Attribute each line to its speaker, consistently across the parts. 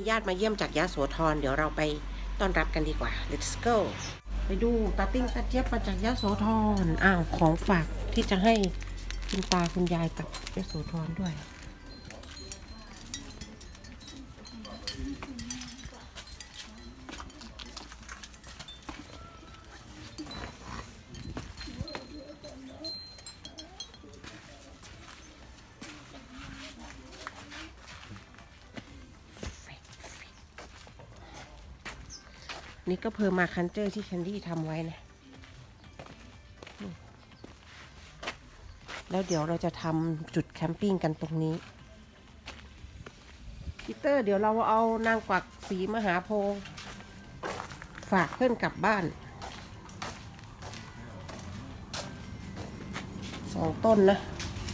Speaker 1: ญาติมาเยี่ยมจากยะโสธรเดี๋ยวเราไปต้อนรับกันดีกว่า let's go ไปดูตาติ้งตาเจี๊ยบมาจากยะโสธรของฝากที่จะให้คุณตาคุณยายกับยะโสธรด้วยนี่ก็เพอร์มาคันเจอร์ที่แคนดี้ทำไว้นะแล้วเดี๋ยวเราจะทำจุดแคมปิ้งกันตรงนี้พีเตอร์เดี๋ยวเราเอานางกวักสีมหาโพธิ์ฝากเพื่อนกลับบ้าน2 ต้นนะ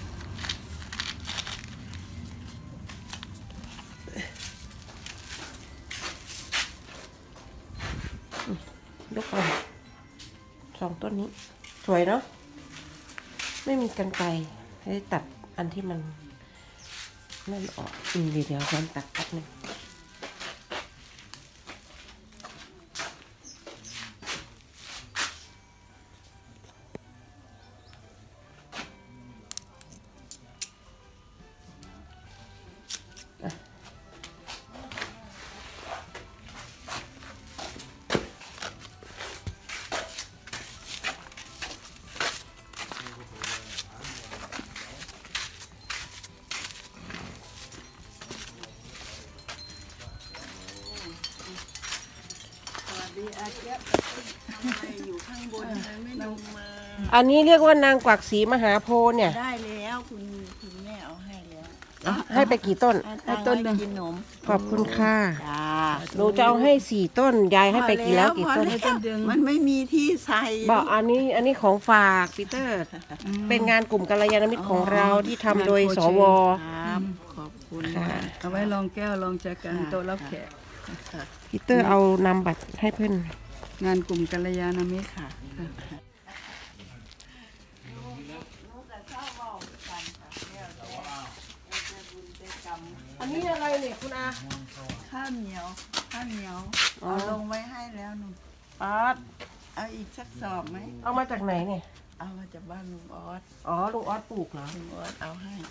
Speaker 1: ยกมา2 ต้นนี้สวยเนาะไม่มีกรรไกรให้ตัดอันที่มันนั่นออกเดี๋ยวฉันตัดแป๊บนึง
Speaker 2: อาเจี๊ยบทำไมอยู่ข้างบนไม่ลงมา
Speaker 1: อันนี้เรียกว่านางกวักสีมหาโพธิ์เนี่ย
Speaker 2: ได้แล้วคุณแม่เอาให้แล้ว
Speaker 1: ให้ไปกี่ต้น
Speaker 2: ให้ต้นหนึ่งกินนม
Speaker 1: ขอบคุณค่ะ
Speaker 2: จ้า
Speaker 1: หนูจะเอาให้4 ต้นยายให้ไปกี่แล้วกี่ต้น
Speaker 2: มันไม่มีที่ใส่
Speaker 1: บอกอันนี้ของฝากปีเตอร์เป็นงานกลุ่มกัลยาณมิตรของเราที่ทำโดยสว
Speaker 2: ขอบคุณ
Speaker 3: เอาไว้ลองแก้วลองแจกันโต๊ะรับแขก
Speaker 1: ปีเตอร์เอานำบัตรให้เพื่อน
Speaker 3: งานกลุ่มกัลยาณมิตรค่ะ
Speaker 1: อันนี้อะไรเนี่ยคุณอา
Speaker 2: ข้าวเหนียวเอาลงไว้ให้แล้วหนู
Speaker 1: อาร์ต
Speaker 2: เอาอีกสักสอบไหม
Speaker 1: เอามาจากไหนเนี่ย
Speaker 2: เอามาจากบ้านลุงออส
Speaker 1: ลุงออสปลูกเหรอ
Speaker 2: ลุงออสเอาให้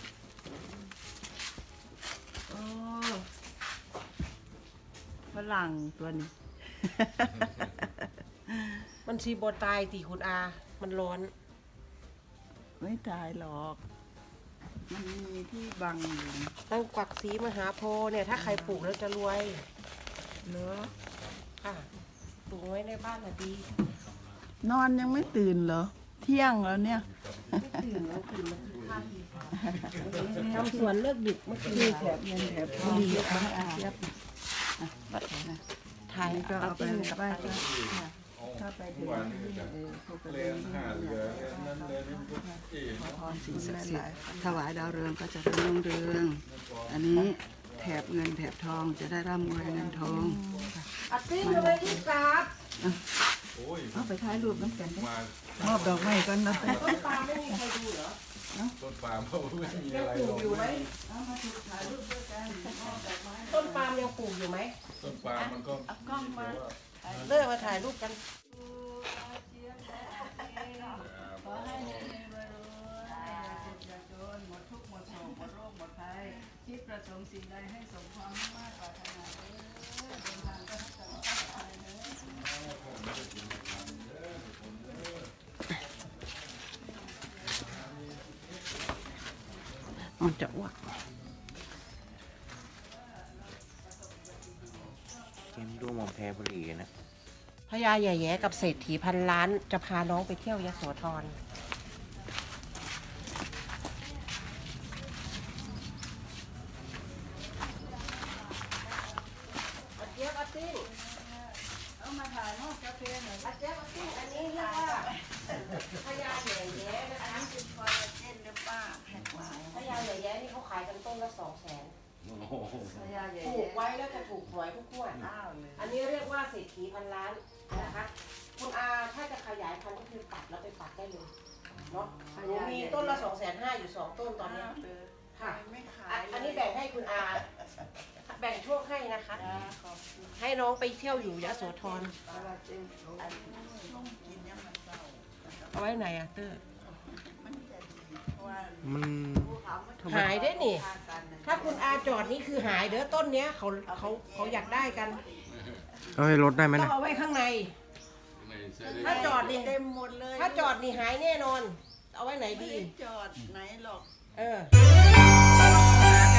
Speaker 2: ฝรั่งตัวนี้
Speaker 1: มันชีบตายตีคุณอามันร้อน
Speaker 2: ไม่ตายหรอกมันมีที่บังอยู่
Speaker 1: นางกวักสีมหาโพธิ์เนี่ยถ้าใครปลูกแล้วจะรวย
Speaker 2: เหรอ
Speaker 1: ค่ะปลูกไว้ในบ้านน่ะดี
Speaker 2: นอนยังไม่ตื่นเหรอเที่ยงแล้วเนี่ย
Speaker 1: ไม่ตื่นแล้วตื่นมากินข้าวดีทำสวนเลิกดึกเมื่อคืน
Speaker 2: แถบเย็นแถบพอดีมาอาเจี๊ยบ
Speaker 1: ถ่าย
Speaker 3: ก็เอาไปไหว้
Speaker 2: ถ้าไปถึงเขาไปเรียน
Speaker 3: พรสิ่งศักดิ์สิทธิ์ถวายดาวเรืองก็จะรุ่งเรืองอันนี้แถบเงินแถบทองจะได้ร่ำรวยเงินทอง
Speaker 1: อัดติ้งอะไรที่กราบ
Speaker 2: เอาไปถ่ายรูปน้ำกัน
Speaker 3: มอบดอกไม้กันนะ
Speaker 1: ต้นปาล์มไม่มีใครดูเหรอ
Speaker 4: ต้นปาล์มเขาไม่มีอะไร
Speaker 1: ปลูกอยู่ไหมต้นปาล์มยังปลูกอยู่ไหม
Speaker 4: ต้นปาล์มมันก็
Speaker 2: กล้องมา
Speaker 1: เลิกมาถ่ายรูปกัน
Speaker 2: ขอให้รวยหมดทุกข์หมดโศกหมดโรคหมดภัยคิดประสงค์สิ่งใดให้สมความมุ่งมั่นปรารถนาเดินทางก็ให้ตลอดไป
Speaker 1: มันจะอ้วก
Speaker 4: เกมดูมองแพ้บุรีนะ
Speaker 1: พญาใหญ่แย่กับเศรษฐีพันล้านจะพาน้องไปเที่ยวยโสธร
Speaker 2: เอามาถ่ายห้องกาแฟหน่อย
Speaker 1: อันนี้เรียกว่าพญาใหญ่แย่นะคะ
Speaker 2: เป็นคอลลาเจนหรือเปล่าแพ็คไว้
Speaker 1: พญาใหญ่แย่นี่เขาขายกันต้นละ200,000ปลูกไว้แล้วจะถูกหวยทุกงวดอันนี้เรียกว่าเศรษฐีพันล้านนะคะคุณอาถ้าจะขยายพันธุ์ก็คือตัดแล้วไปปักได้เลยเนาะหนูมีต้นละ250,000อยู่2 ต้นตอนนี้ค่ะอันนี้แบ่งให้คุณอาแบ่งโชคให้นะคะนะคะ ให้น้องไปเที่ยวอยู่ยโสธรเอาไว้ไหนอะเตอร์
Speaker 4: มัน
Speaker 1: หายได้นี่ ถ้าคุณอาจอดนี่คือหายเด้อต้นเนี้ยเขาอยากได้กัน
Speaker 4: เอาให้รถได้ไหม
Speaker 1: ต้อ
Speaker 4: นะ
Speaker 1: งเอาไว้ข้างใน ถ้าจอดนี่
Speaker 2: เต็มหมดเลย
Speaker 1: ถ้าจอดนี่หายแน่นอน เอาไว้ไหน
Speaker 2: ไม่
Speaker 1: ดี
Speaker 2: ได้จอดไหนหรอก
Speaker 1: เออ